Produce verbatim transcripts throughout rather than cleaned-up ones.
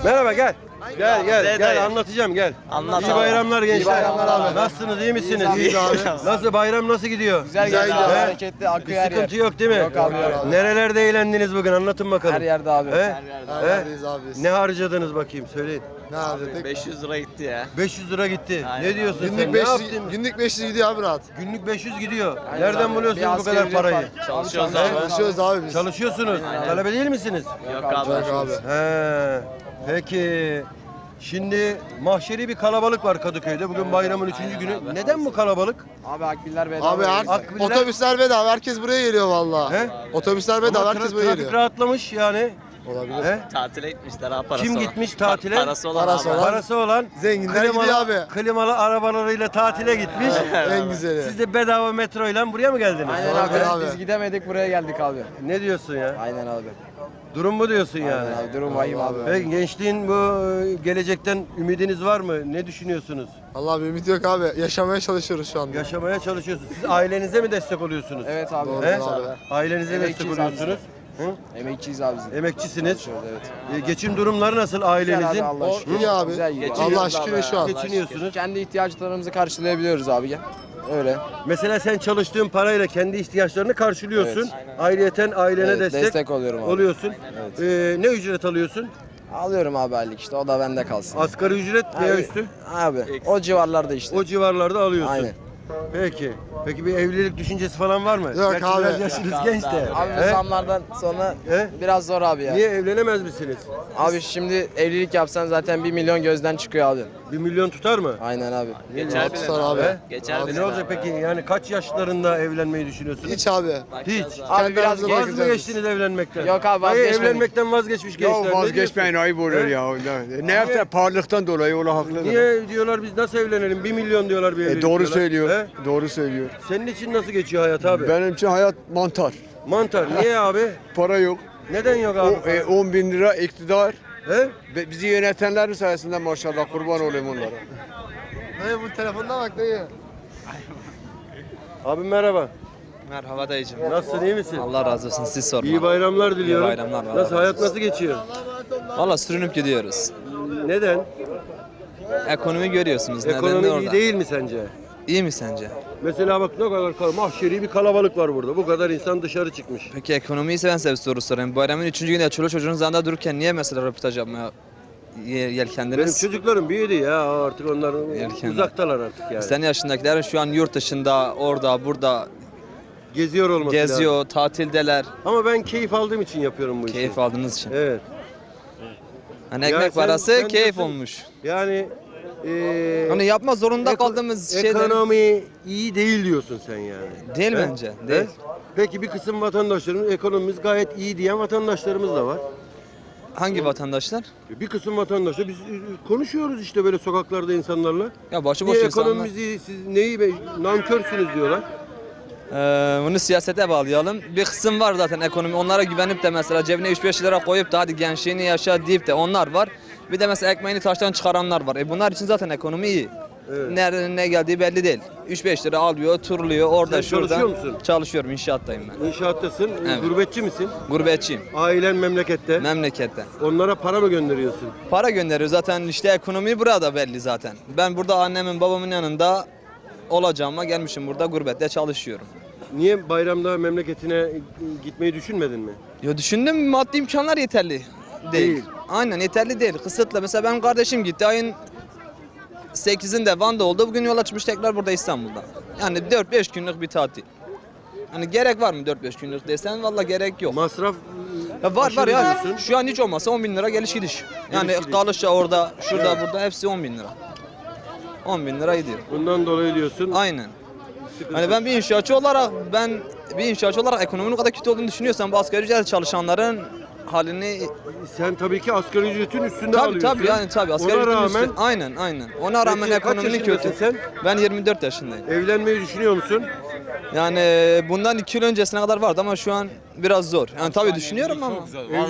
Merhaba gel. Gel gel gel anlatacağım gel. Anlat İyi abi. bayramlar gençler. İyi bayramlar abi. Nasılsınız iyi misiniz? İyiyiz abi. Nasıl bayram nasıl gidiyor? Güzel Güzel gidiyor abi. He? Hareketli, Bir akıyor her yer. sıkıntı yok değil mi? Yok abi, yok abi. Nerelerde eğlendiniz bugün anlatın bakalım. Her yerde abi. He? Her He? yerdeyiz abi biz. Ne harcadınız bakayım söyleyin. Ne harcadık? beş yüz lira gitti ya. beş yüz lira gitti. Aynen Ne diyorsun sen? Günlük Ne beş yüz, yaptın? günlük beş yüz gidiyor abi rahat. Günlük beş yüz gidiyor. Aynen Nereden abi. buluyorsunuz Bir bu asgari kadar ücret parayı? var. Çalışıyoruz Abi abi. Çalışıyoruz abi biz. Çalışıyorsunuz. Talebe değil misiniz? Yok Yok abi. abi. He. Peki. Şimdi mahşeri bir kalabalık var Kadıköy'de. Bugün bayramın üçüncü günü. Neden bu kalabalık? Abi akbiller bedava. Abi Akbiller- her, otobüsler bedava. Herkes buraya geliyor valla. He? Otobüsler Ama bedava. tra- Herkes buraya trafik geliyor. rahatlamış yani. Olabilir. He? Tatile gitmişler ha parası Kim olan. gitmiş tatile? Pa- Parası olan Parası abi. olan. Parası olan Zenginler gidiyor abi. klimalı arabalarıyla tatile gitmiş. En güzeli. Siz de bedava metroyla buraya mı geldiniz? Aynen Aynen abi. abi. Biz gidemedik buraya geldik abi. Ne diyorsun ya? Aynen abi. Durum bu diyorsun yani. Aynen abi. Durum vahim abi. Peki gençliğin bu e, gelecekten ümidiniz var mı? Ne düşünüyorsunuz? Allah bir ümit yok abi. Yaşamaya çalışıyoruz şu anda. Yaşamaya çalışıyorsunuz. Siz ailenize mi destek oluyorsunuz? Evet abi. Doğru He? abi. Ailenize destek Emekçiyiz abi oluyorsunuz. Hı? Emekçiyiz abi biz. Emekçisiniz. Çalışıyoruz, evet. E, geçim durumları nasıl Güzel ailenizin? abi, Allah O şükür. iyi abi. Güzel gidiyor. Allah Geçiniyoruz şükür abi şu ya. an. Geçiniyorsunuz. Kendi ihtiyaçlarımızı karşılayabiliyoruz abi ya. Öyle. Mesela sen çalıştığın parayla kendi ihtiyaçlarını karşılıyorsun. Evet. Ayrıyeten ailene Evet, destek, destek oluyorum abi. oluyorsun. Evet. E, ne ücret alıyorsun? Alıyorum abi aylık işte o da bende kalsın. Asgari ücret veya Abi, üstü? Abi o civarlarda işte. O civarlarda alıyorsun. Aynen. Peki. Peki bir evlilik düşüncesi falan var mı? Yok Gerçi abi. biraz yaşınız Yok genç abi. de. Abi bu He? zamlardan sonra He? biraz zor abi ya. Niye evlenemez misiniz? Abi şimdi evlilik yapsan zaten bir milyon gözden çıkıyor abi. Bir milyon tutar mı? Aynen abi. Geçer Rahat bile tutar abi. abi. He? Geçer E bile ne olacak abi. peki? Yani kaç yaşlarında evlenmeyi düşünüyorsunuz? Hiç abi. Hiç. Abi biraz Kendimize geç. Vaz mı geçtiniz evlenmekten? Yok abi, Hayır, vazgeçmedik. evlenmekten vazgeçmiş gençler. Ya Ne vazgeçmeyin diyorsun? ayıp oluyor He? ya. Ne yaptı? Pahalılıktan dolayı ola haklıdır. Niye diyorlar biz nasıl evlenelim? Bir milyon diyorlar bir E, evlilik doğru diyorlar. söylüyor. He? Doğru söylüyor. Senin için nasıl geçiyor hayat abi? Benim için hayat mantar. Mantar. Niye abi? Para yok. Neden yok O abi? e, on bin lira iktidar. He? Ve bizi yönetenlerin sayesinde maşallah kurban olayım onlara. Dayı bu telefonuna bak dayı. Abi merhaba. Merhaba dayıcım. Nasılsın iyi misin? Allah razı olsun siz sorma. İyi bayramlar diliyorum. bayramlar, Allah Nasıl razı hayat olsun. nasıl geçiyor? Valla sürünüp gidiyoruz. Neden? Ekonomi görüyorsunuz. Ekonomi Nedeni iyi orada. değil mi sence? İyi mi sence? Mesela bak ne kadar kal- mahşeri bir kalabalık var burada. Bu kadar insan dışarı çıkmış. Peki ekonomiyi seven size bir soru sorayım. Bayramın üçüncü günü çoluk çocuğunuz yanında dururken niye mesela röportaj yapmaya ye- Benim yelkendiniz? çocuklarım büyüdü ya artık onlar Erken. uzaktalar artık yani. Senin yaşındakilerin şu an yurt dışında, orada, burada Geziyor olması lazım. geziyor, tatildeler. Ama ben keyif aldığım için yapıyorum bu işi. Keyif aldığınız için. Evet. Hani Ya ekmek sen- parası sen keyif diyorsun- olmuş. Yani eee Hani yapma zorunda eko- kaldığımız şeyler ekonomi iyi değil diyorsun sen yani. değil He? bence. He? Değil. Peki bir kısım vatandaşlarımız ekonomimiz gayet iyi diyen vatandaşlarımız da var. Hangi vatandaşlar? Bir kısım vatandaşlar biz e, konuşuyoruz işte böyle sokaklarda insanlarla. Ya başıboş Niye insanlar. ekonomimiz iyi, siz neyi be, nankörsünüz diyorlar. Ee, bunu siyasete bağlayalım. Bir kısım var zaten ekonomi. Onlara güvenip de mesela cebine üç beş lira koyup da hadi gençliğini yaşa deyip de onlar var. Bir de mesela ekmeğini taştan çıkaranlar var. E bunlar için zaten ekonomi iyi. Evet. Nereden ne geldiği belli değil. üç beş lira alıyor, turluyor orada Sen şurada. çalışıyor musun? Çalışıyorum, inşaattayım ben. İnşaattasın, e, Evet. gurbetçi misin? Gurbetçiyim. Ailen memlekette. Memlekette. Onlara para mı gönderiyorsun? Para gönderiyor zaten işte ekonomi burada belli zaten. Ben burada annemin babamın yanında olacağıma gelmişim burada gurbette çalışıyorum. Niye bayramda memleketine e, gitmeyi düşünmedin mi? Ya düşündüm maddi imkanlar yeterli değil. Değil. Aynen yeterli değil. Kısıtlı. Mesela benim kardeşim gitti ayın sekizinde Van'da oldu. Bugün yola çıkmış tekrar burada İstanbul'da. Yani dört beş günlük bir tatil. Hani gerek var mı dört beş günlük desen valla gerek yok. Masraf Ya var var aşırı ya. diyorsun. Şu an hiç olmazsa on bin lira geliş gidiş. Yani Geliş gidiş. kalışça orada, şurada, burada hepsi on bin lira. on bin lira gidiyor. Bundan dolayı diyorsun. Aynen. sıkıntı. Hani ben bir inşaatçı olarak ben bir inşaatçı olarak ekonominin o kadar kötü olduğunu düşünüyorsam bu asgari ücretle çalışanların halini Sen tabii ki asgari ücretin üstünde tabii alıyorsun. tabii yani tabii asgari Ona ücretin rağmen üstü- aynen aynen. Ona rağmen Peki, kaç ekonominin yaşındasın kötü. sen? Ben yirmi dört yaşındayım. Evlenmeyi düşünüyor musun? Yani bundan iki yıl öncesine kadar vardı ama şu an biraz zor. Yani tabii düşünüyorum ama Evlilik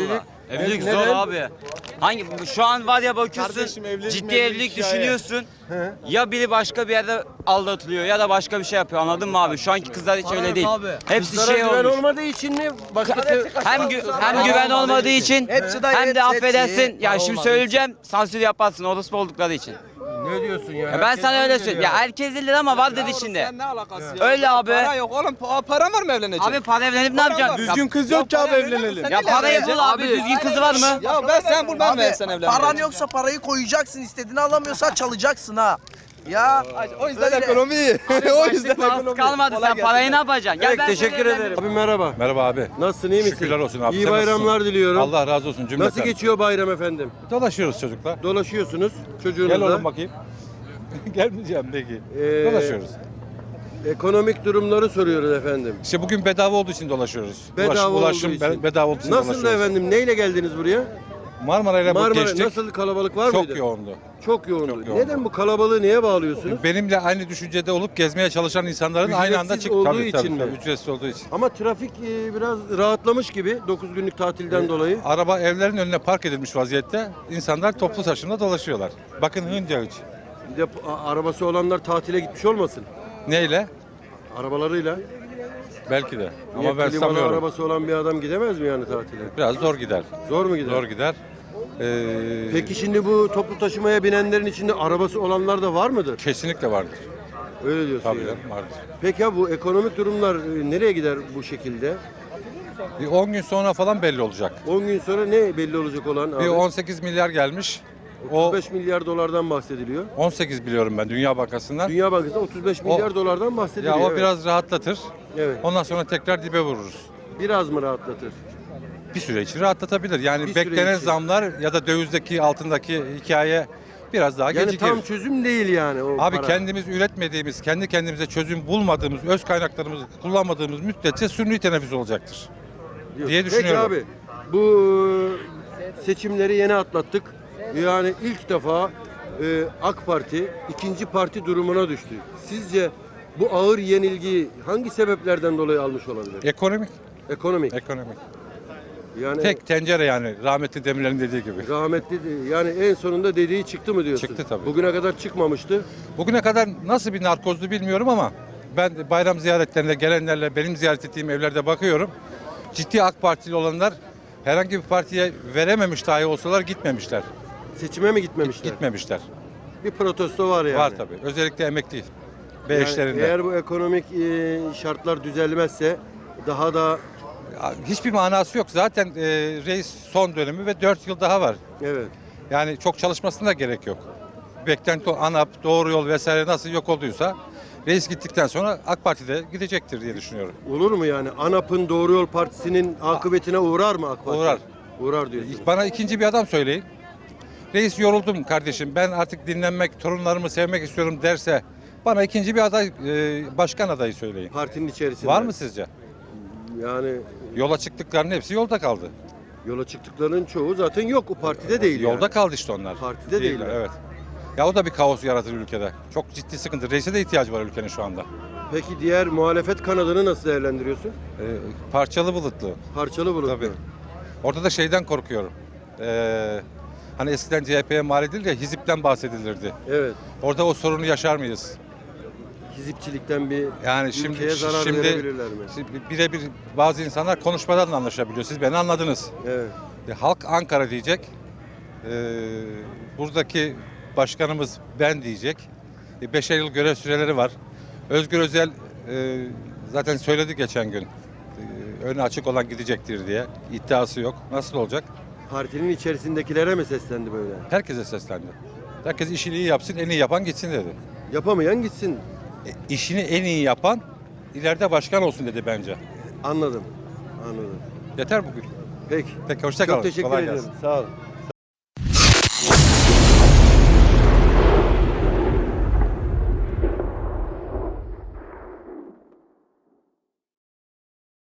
Evlilik Neden? zor abi. Hangi şu an var ya bakıyorsun Kardeşim, evlilik ciddi mevlilik evlilik hikaye. düşünüyorsun. He. Ya biri başka bir yerde aldatılıyor ya da başka bir şey yapıyor. Anladın mı abi? Şu anki kızlar hiç öyle değil. Hepsi Kızlara şey güven olmuş. olmadığı için mi? Başkası... Hem gü- hem güven olmadığı için hem de affedersin. Ya şimdi söyleyeceğim sansür yaparsın orospu oldukları için. Ne diyorsun ya? Ya ben Herkes sana öyle böyle söyleyeyim. diyor Ya herkes değil ama var dedi şimdi. Sen ne alakası ya? Öyle abi. Para yok oğlum. Pa- Paran var mı evlenecek? Abi para evlenip ne yapacaksın? Düzgün kız yok ki abi evlenelim. Ya parayı bul abi. Düzgün kızı var mı? Ya ben sen bul ben ver sen evlen. Paran yoksa parayı koyacaksın, istediğini alamıyorsan çalacaksın ha. Ya O yüzden öyle. ekonomi iyi. o yüzden Parası ekonomi. kalmadı Kolay sen gelsin. parayı ne yapacaksın? Gel Peki, ben teşekkür seni ederim. Abi merhaba. Merhaba abi. Nasılsın, iyi misin? Şükürler olsun abi. İyi Sen bayramlar nasılsın? diliyorum. Allah razı olsun cümleten. Nasıl geçiyor bayram efendim? Dolaşıyoruz çocuklar. Dolaşıyorsunuz çocuğunuzla. Gel oğlum bakayım. Gelmeyeceğim peki. Ee, Dolaşıyoruz. Ekonomik durumları soruyoruz efendim. İşte bugün bedava olduğu için dolaşıyoruz. Bedava Ulaş- olduğu ulaşım için. be- bedava olduğu için Nasıl da dolaşıyoruz. efendim? Neyle geldiniz buraya? Marmara ile Marmara geçtik. nasıl kalabalık var Çok mıydı? yoğundu. Çok yoğundu. Çok yoğundu. Neden bu kalabalığı neye bağlıyorsunuz? Benimle aynı düşüncede olup gezmeye çalışan insanların aynı anda Ücretsiz çıktı. olduğu Tabii, için tabii, mi? tabii, ücretsiz olduğu için. Ama trafik e, biraz rahatlamış gibi dokuz günlük tatilden dolayı. Araba evlerin önüne park edilmiş vaziyette. İnsanlar toplu taşımda dolaşıyorlar. Bakın Hınca üç. Bir de a- arabası olanlar tatile gitmiş olmasın? Neyle? Arabalarıyla. Belki de. Niye Ama ben klimalı sanmıyorum. arabası olan bir adam gidemez mi yani tatile? Biraz zor gider. Zor mu gider? Zor gider. Ee, Peki şimdi bu toplu taşımaya binenlerin içinde arabası olanlar da var mıdır? Kesinlikle vardır. Öyle diyorsun Tabii yani. canım, vardır. Peki ya bu ekonomik durumlar e, nereye gider bu şekilde? Bir on gün sonra falan belli olacak. on gün sonra ne belli olacak olan abi? Bir on sekiz milyar gelmiş. O otuz beş milyar dolardan bahsediliyor. on sekiz biliyorum ben Dünya Bankası'ndan. Dünya Bankası'nda otuz beş milyar dolardan bahsediliyor. Ya o evet. biraz rahatlatır. Evet. Ondan sonra tekrar dibe vururuz. Biraz mı rahatlatır? Bir süre için rahatlatabilir. Yani Bir süre beklenen için. zamlar ya da dövizdeki altındaki hikaye biraz daha Yani gecikir. tam çözüm değil yani o Abi para. kendimiz üretmediğimiz, kendi kendimize çözüm bulmadığımız, öz kaynaklarımızı kullanmadığımız müddetçe sünni teneffüs olacaktır Diyor. diye düşünüyorum. Peki abi bu seçimleri yeni atlattık. Yani ilk defa e, AK Parti ikinci parti durumuna düştü. Sizce bu ağır yenilgiyi hangi sebeplerden dolayı almış olabilir? Ekonomik, Ekonomik. ekonomik. Yani Tek tencere yani rahmetli Demirler'in dediği gibi. rahmetli de- yani en sonunda dediği çıktı mı diyorsun? Çıktı tabii. Bugüne kadar çıkmamıştı. Bugüne kadar nasıl bir narkozdu bilmiyorum ama ben de bayram ziyaretlerinde gelenlerle benim ziyaret ettiğim evlerde bakıyorum. Ciddi AK Partili olanlar herhangi bir partiye verememiş dahi olsalar gitmemişler. Seçime mi gitmemişler? Gitmemişler. Bir protesto var yani. Var tabii. Özellikle emekli ve Yani eşlerinde. eğer bu ekonomik e, şartlar düzelmezse daha da Ya, hiçbir manası yok. Zaten e, reis son dönemi ve dört yıl daha var. evet. Yani çok çalışmasına da gerek yok. Beklenti o ANAP, doğru yol vesaire nasıl yok olduysa reis gittikten sonra AK Parti de gidecektir diye düşünüyorum. Olur mu yani? ANAP'ın Doğru Yol Partisi'nin akıbetine uğrar mı AK Parti? Uğrar. Uğrar diyorsun. Bana ikinci bir adam söyleyin. Reis yoruldum kardeşim ben artık dinlenmek, torunlarımı sevmek istiyorum derse bana ikinci bir aday, e, başkan adayı söyleyin. Partinin içerisinde. Var mı sizce? Yani Yola çıktıklarının hepsi yolda kaldı. yola çıktıklarının çoğu zaten yok. O partide değil Yolda yani. kaldı işte onlar. Partide Değiller, değiller. evet. Ya o da bir kaos yaratır ülkede. Çok ciddi sıkıntı. Reise de ihtiyacı var ülkenin şu anda. Peki diğer muhalefet kanadını nasıl değerlendiriyorsun? Ee, parçalı bulutlu. Parçalı bulutlu. Tabii. Orada da şeyden korkuyorum. Ee, hani eskiden C H P'ye mal edildi ya, hizipten bahsedilirdi. Evet. Orada o sorunu yaşar mıyız? Hizipçilikten bir Yani şimdi ülkeye zarar şimdi, verebilirler mi? şimdi birebir bazı insanlar konuşmadan da anlaşabiliyor. Siz beni anladınız. Evet. E, halk Ankara diyecek. Ee, buradaki başkanımız ben diyecek. E, beşer yıl görev süreleri var. Özgür Özel e, zaten söyledi geçen gün. E, önü açık olan gidecektir diye. İddiası yok. Nasıl olacak? Partinin içerisindekilere mi seslendi böyle? Herkese seslendi. Herkes işini iyi yapsın, en iyi yapan gitsin dedi. Yapamayan gitsin. E, işini en iyi yapan ileride başkan olsun dedi bence. Anladım. Anladım. Yeter bugün. Peki. Peki hoşça kalın. Çok teşekkür Kolay ederim. gelsin. Sağ olun.